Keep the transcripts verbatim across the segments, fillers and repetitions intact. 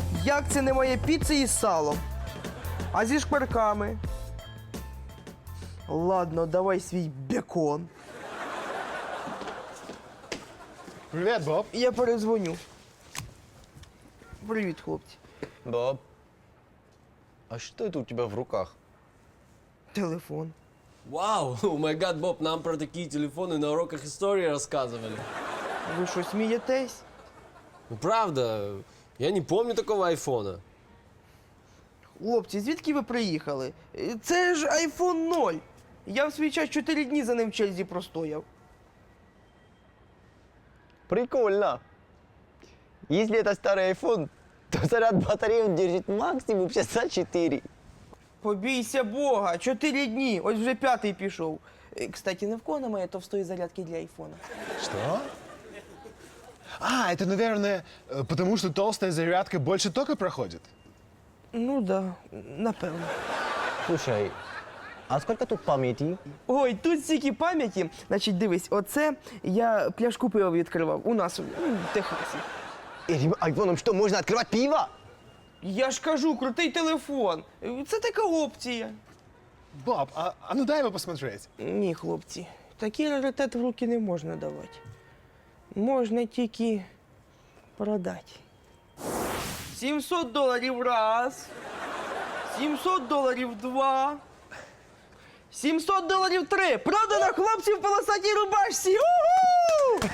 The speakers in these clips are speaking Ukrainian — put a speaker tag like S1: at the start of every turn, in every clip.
S1: Як це немає піци із салом? А зі шкварками? Ладно, давай свій бекон.
S2: Привет, Боб.
S1: Я перезвоню. Привіт, хлопці.
S3: Боб, а что это у тебя в руках?
S1: Телефон.
S4: Вау, о май гад, Боб, нам про такие телефоны на уроках истории рассказывали.
S1: Ви що, смієтесь?
S4: Ну правда, я не помню такого айфона.
S1: Хлопці, звідки ви приїхали? Це ж айфон ноль. Я в свій час чотири дні за ним в черзі простояв.
S3: Прикольно. Если это старый iPhone, то заряд батареи он держит максимум часа четыре.
S1: Побійся Бога, чотири дні, ось вже п'ятий пішов. Е, Кстати, не в кого немає товстої зарядки для айфона.
S2: Что? А, это, наверное, э, потому что толстая зарядка больше тока проходит.
S1: Ну да, напевно.
S3: Слушай, а сколько тут памяти?
S1: Ой, тут стільки пам'яті. Значить, дивись, оце я пляшку пива відкривав у нас ну, в Техасі.
S3: Этим айфоном что, можно открывать пиво?
S1: Я ж кажу, крутий телефон. Це така опція.
S2: Боб, а, а ну дай его посмотреть.
S1: Ні, хлопці, такий раритет в руки не можна давати. Можна тільки продати. сімсот доларів раз. сімсот доларів два. сімсот доларів три. Продано хлопців в полосатій рубашці. У-ху!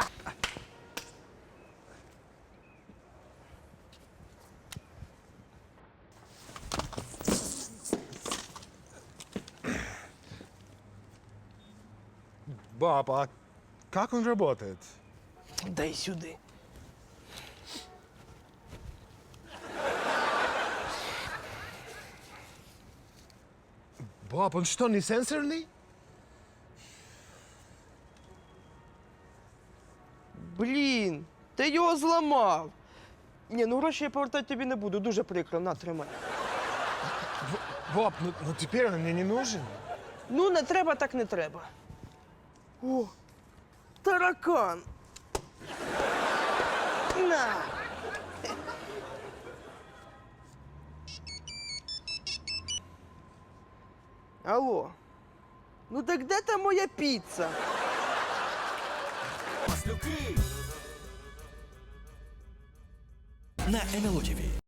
S2: Боб, а как он работает?
S1: Дай сюди.
S2: Боб, он что, не сенсорный?
S1: Блін, ти його зламав. Ні, ну гроші я повертати тобі не буду, дуже прикро, на, тримай.
S2: Боб, ну, ну теперь он мне не нужен.
S1: Ну, не треба, так не треба. О, таракан. На. Алло. Ну так де там моя піца?
S5: На ен ел о ті ві.